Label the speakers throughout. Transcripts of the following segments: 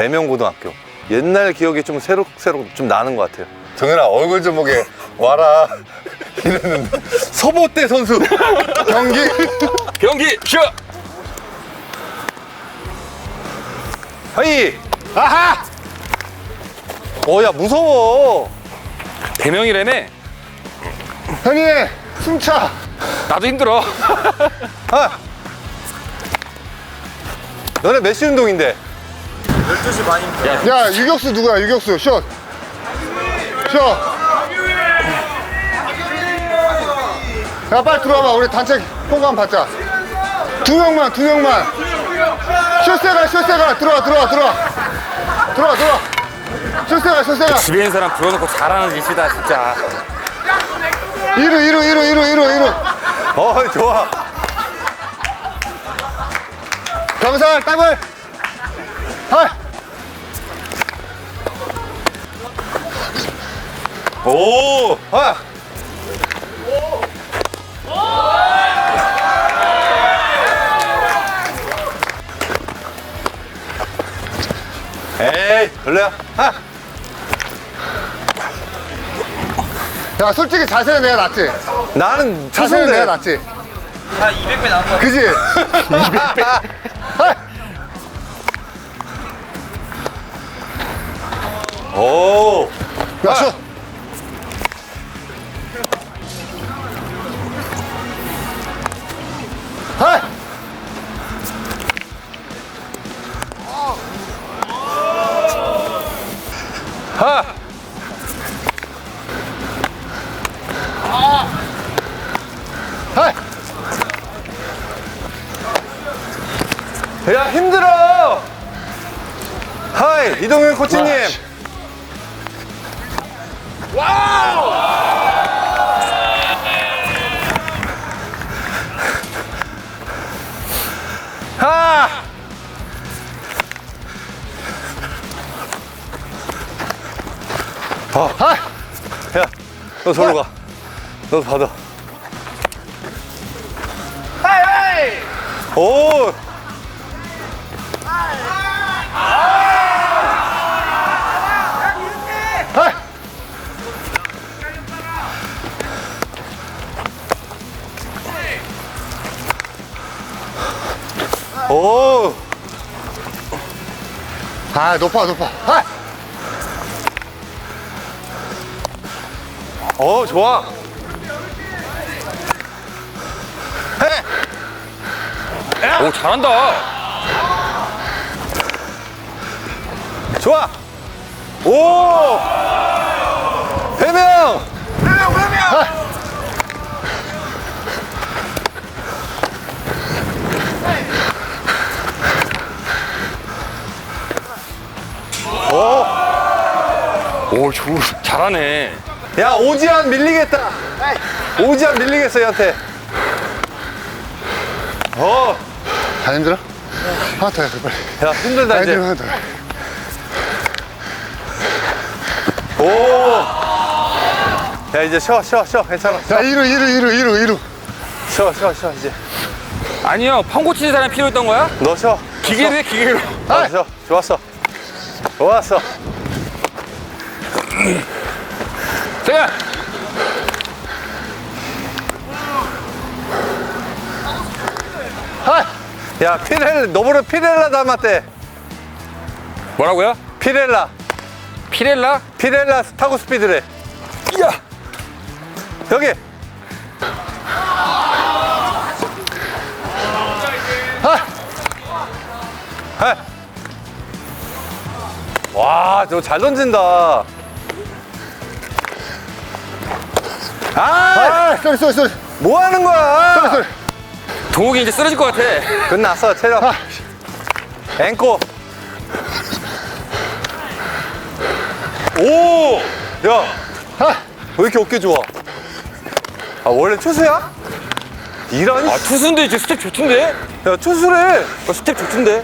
Speaker 1: 대명고등학교. 옛날 기억이 좀 새록새록 좀 나는 것 같아요. 정현아, 얼굴 좀 보게 와라 이랬는데. 서보대 선수
Speaker 2: 경기 슛.
Speaker 1: 하이. 아하. 야 무서워.
Speaker 2: 대명이라며.
Speaker 3: 형이 숨차.
Speaker 2: 나도 힘들어.
Speaker 1: 아. 너네 몇 시 운동인데?
Speaker 4: 12시 반입니다.
Speaker 3: 야, 유격수 누구야? 유격수 슛. 야, 빨리 들어와봐. 우리 단체 홍보 한번 받자. 두 명만. 슛세가 들어와. 슛세가.
Speaker 2: 집에 있는 사람 불러놓고 잘하는 짓이다 진짜.
Speaker 3: 이루.
Speaker 1: 좋아.
Speaker 3: 경살 더블.
Speaker 1: 오. 아. 에이, 별로야. 아.
Speaker 3: 야, 솔직히 자세는 내가 낫지.
Speaker 1: 나는
Speaker 3: 자세는
Speaker 1: 투수인데.
Speaker 3: 내가 낫지.
Speaker 4: 한 200배 나온 것 같아요.
Speaker 3: 그지? 200배.
Speaker 1: 오.
Speaker 3: 야, 슛. 하이.
Speaker 1: 하.
Speaker 3: 하이.
Speaker 1: 야, 힘들어. 하이, 이동현 코치님. 하.
Speaker 3: 하이.
Speaker 1: 야, 너 저로 가. 너 받아. 오.
Speaker 3: 하이.
Speaker 1: 오.
Speaker 3: 아, 높아. 하이.
Speaker 1: 좋아.
Speaker 2: 오 잘한다.
Speaker 1: 좋아. 오. 배명.
Speaker 2: 오 잘하네.
Speaker 1: 야, 오지환 밀리겠다. 오지환 밀리겠어, 얘한테.
Speaker 3: 다 힘들어? 하나 더 해, 빨리.
Speaker 1: 야, 힘들다,
Speaker 3: 다
Speaker 1: 이제.
Speaker 3: 힘들어, 하나 더 해.
Speaker 1: 오. 야, 이제 쉬어. 괜찮아.
Speaker 3: 자, 이루.
Speaker 1: 쉬어, 이제.
Speaker 2: 아니요 펑 고치는 사람이 필요했던 거야?
Speaker 1: 너 쉬어.
Speaker 2: 기계로 해 기계로.
Speaker 1: 쉬어. 좋았어.
Speaker 2: 자.
Speaker 3: 하이.
Speaker 1: 야, 너보다 피렐라 닮았대.
Speaker 2: 뭐라고요?
Speaker 1: 피렐라 타고 스피드래.
Speaker 2: 야.
Speaker 1: 여기. 하이. 와, 저 잘 던진다.
Speaker 3: 아, 쏘리.
Speaker 1: 뭐 하는 거야?
Speaker 2: 동욱이 이제 쓰러질 것 같아.
Speaker 1: 끝났어, 체력. 앵꼬. 오! 야, 왜 이렇게 어깨 좋아? 아, 원래 투수야? 이런.
Speaker 2: 아 투수인데 이제 스텝 좋던데?
Speaker 1: 야, 투수래.
Speaker 2: 스텝 좋던데?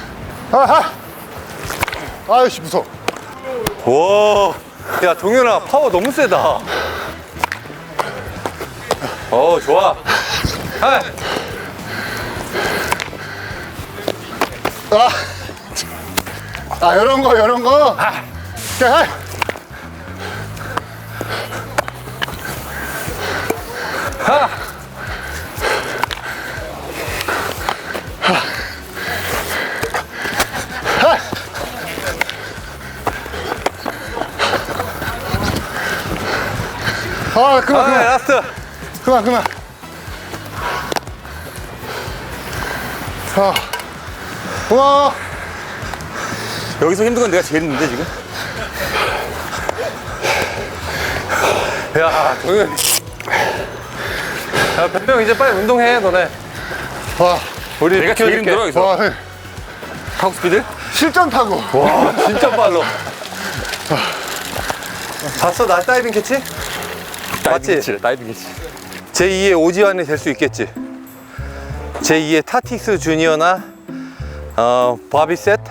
Speaker 3: 아이씨, 무서워.
Speaker 1: 와. 야, 동현아, 파워 너무 세다. 좋아. 하이.
Speaker 3: 아, 이런 거, 이런 거. 자,
Speaker 1: 하!
Speaker 3: 아, 그만,
Speaker 1: 아,
Speaker 3: 그만.
Speaker 1: 라스트.
Speaker 3: 그만, 그만. 아, 고마워.
Speaker 2: 여기서 힘든 건 내가 제일 힘든데 지금.
Speaker 1: 야, 동현. 야, 변병 이제 빨리 운동해, 너네.
Speaker 3: 와,
Speaker 1: 우리
Speaker 2: 내가 제일
Speaker 1: 비켜줄게.
Speaker 2: 힘들어 여기서.
Speaker 3: 와,
Speaker 2: 타고 스피드?
Speaker 3: 실전 타고.
Speaker 1: 와, 진짜 빨라. 봤어, 나 다이빙 캐치? 맞지?
Speaker 2: 다이빙 캐치.
Speaker 1: 제2의 오지환이 될 수 있겠지. 제2의 타틱스 주니어나 바비셋.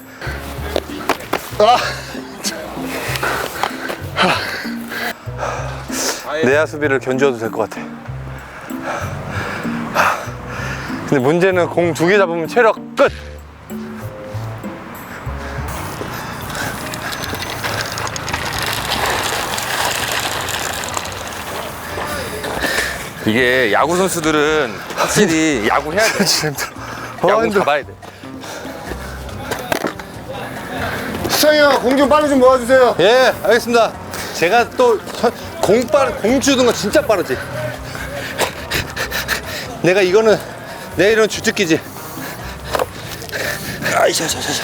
Speaker 3: 아,
Speaker 1: 내야 수비를 견주어도 될 것 같아. 근데 문제는 공 2개 잡으면 체력 끝.
Speaker 2: 이게 야구 선수들은 확실히 야구 해야 돼. 야구
Speaker 1: 힘들어.
Speaker 2: 잡아야 돼.
Speaker 3: 수창이 형, 공 좀 빨리 좀 모아주세요.
Speaker 1: 예, 알겠습니다. 제가 또 공 주는 거 진짜 빠르지. 내가 이거는 주특기지. 아이샤샤샤.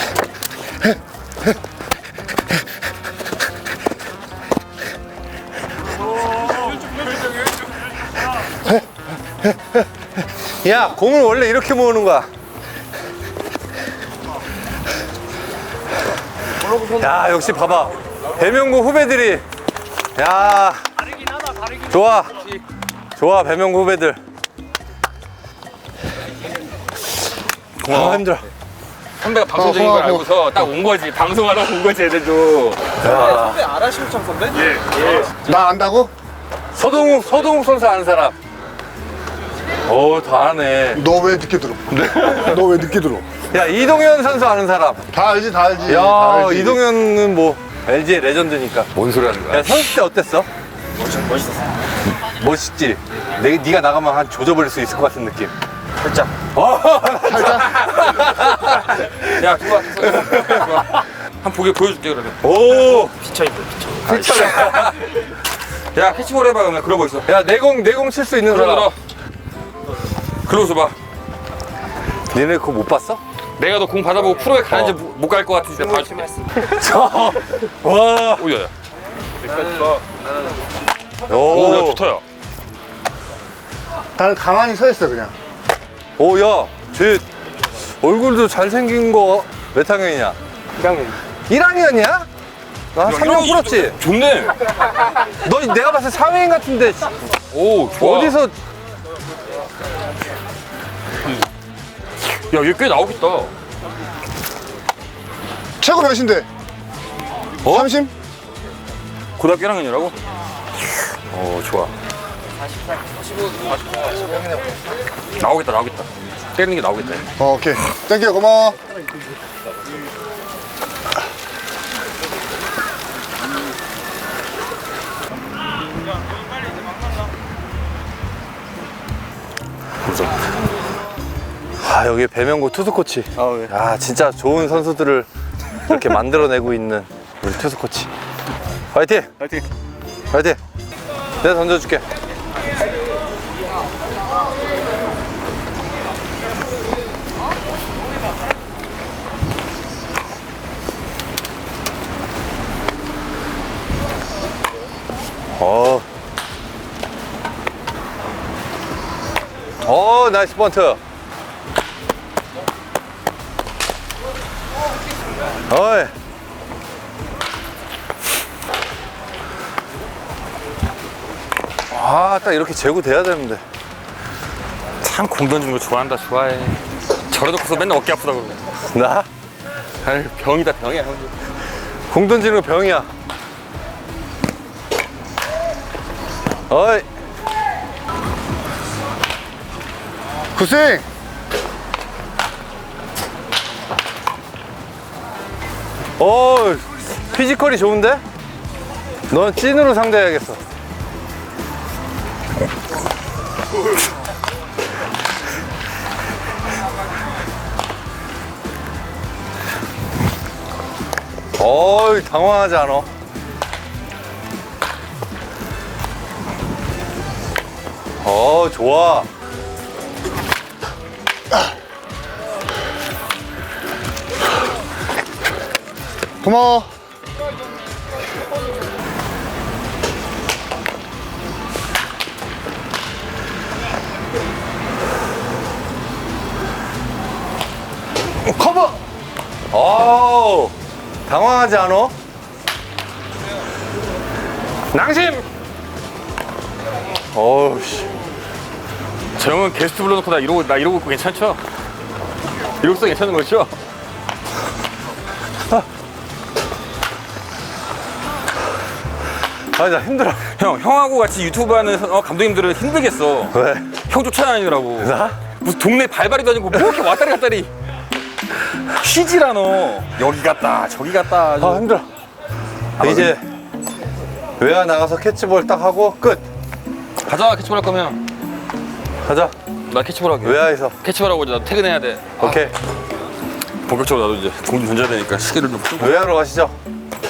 Speaker 1: 야, 공을 원래 이렇게 모으는 거야. 야, 역시 봐봐. 배명구 후배들이. 야, 좋아. 좋아, 배명구 후배들. 아, 힘들어.
Speaker 2: 선배가 방송적인 걸
Speaker 3: 고마워.
Speaker 2: 알고서 딱 온 거지. 방송하러 온 거지 애들도.
Speaker 4: 선배 알아 심창 선배?
Speaker 3: 나 안다고?
Speaker 1: 서동욱 선수 아는 사람. 오, 다 아네.
Speaker 3: 너 왜 늦게 들어? 너 왜 늦게 들어?
Speaker 1: 야, 이동현 선수 아는 사람.
Speaker 3: 다 알지, 다 알지. 다
Speaker 1: 야,
Speaker 3: 알지.
Speaker 1: 이동현은 뭐 LG의 레전드니까.
Speaker 2: 뭔 소리 하는 거야?
Speaker 1: 야, 선수 때 어땠어?
Speaker 4: 멋있었어.
Speaker 1: 멋있지? 네가 나가면 한 조져버릴 수 있을 것 같은 느낌.
Speaker 4: 살짝.
Speaker 2: 야, 좋아. 한 보게 보여줄게 그러면.
Speaker 1: 오,
Speaker 4: 피쳐인데 피쳐.
Speaker 2: 야, 캐치볼 해봐 그러면. 그러고 있어.
Speaker 1: 야, 내공 칠 수 있는 사람.
Speaker 2: 들어. 글로서 봐.
Speaker 1: 니네 그거 못 봤어?
Speaker 2: 내가 너 공 받아보고 프로에 가는지 못 갈 것 같은데 봐줄게.
Speaker 1: 와,
Speaker 2: 오야야.
Speaker 1: 오,
Speaker 2: 야, 좋다요.
Speaker 3: 나는 가만히 서 있어, 그냥.
Speaker 1: 오, 야, 쟤 얼굴도 잘생긴 거 몇 학년이냐?
Speaker 3: 1학년.
Speaker 1: 1학년이야? 나 3년 풀었지?
Speaker 2: 좋네.
Speaker 1: 너 내가 봤을 때 사회인 같은데
Speaker 2: 오, 좋아.
Speaker 1: 어디서
Speaker 2: 야, 얘 꽤 나오겠다.
Speaker 3: 최고 몇인데?
Speaker 1: 어?
Speaker 3: 30?
Speaker 2: 고등학교 1학년이라고? 좋아. 나오겠다. 때리는 게 나오겠다.
Speaker 3: 오케이. 땡큐, 고마워.
Speaker 1: 아, 여기 배명구 투수 코치. 아, 진짜 좋은 선수들을 이렇게 만들어내고 있는 우리 투수 코치. 화이팅!
Speaker 2: 파이팅.
Speaker 1: 화이팅! 내가 던져줄게. 나이스 번트. 어이. 아, 딱 이렇게 제구돼야 되는데.
Speaker 2: 참 공 던지는 거 좋아한다. 좋아해. 저래놓고서 맨날 어깨 아프다 그러고.
Speaker 1: 나?
Speaker 2: 아유, 병이다 병이야.
Speaker 1: 공 던지는 거 병이야. 어이.
Speaker 3: 굿스윙!
Speaker 1: 피지컬이 좋은데? 넌 찐으로 상대해야겠어. 당황하지 않아. 좋아.
Speaker 3: 고마워.
Speaker 1: 커버! 당황하지 않아?
Speaker 2: 낭심!
Speaker 1: 씨.
Speaker 2: 저 형은 게스트 불러놓고 나 이러고 있고 괜찮죠? 이러고서 괜찮은 거죠?
Speaker 1: 나 힘들어.
Speaker 2: 형하고 같이 유튜브 하는 감독님들은 힘들겠어.
Speaker 1: 왜?
Speaker 2: 형 쫓아다니느라고.
Speaker 1: 나?
Speaker 2: 무슨 동네 발발이도 아니고 뭐 이렇게 왔다리 갔다리. 쉬질 않아. 여기 갔다 저기 갔다. 아주.
Speaker 1: 힘들어. 이제 외야 나가서 캐치볼 딱 하고 끝.
Speaker 2: 가자 캐치볼 할 거면.
Speaker 1: 가자.
Speaker 2: 나 캐치볼 할게.
Speaker 1: 외야에서.
Speaker 2: 캐치볼 하고 이제 나도 퇴근해야 돼.
Speaker 1: 오케이.
Speaker 2: 본격적으로 나도 이제 공 좀 던져야 되니까 시계를 좀 풀고.
Speaker 1: 외야로 가시죠.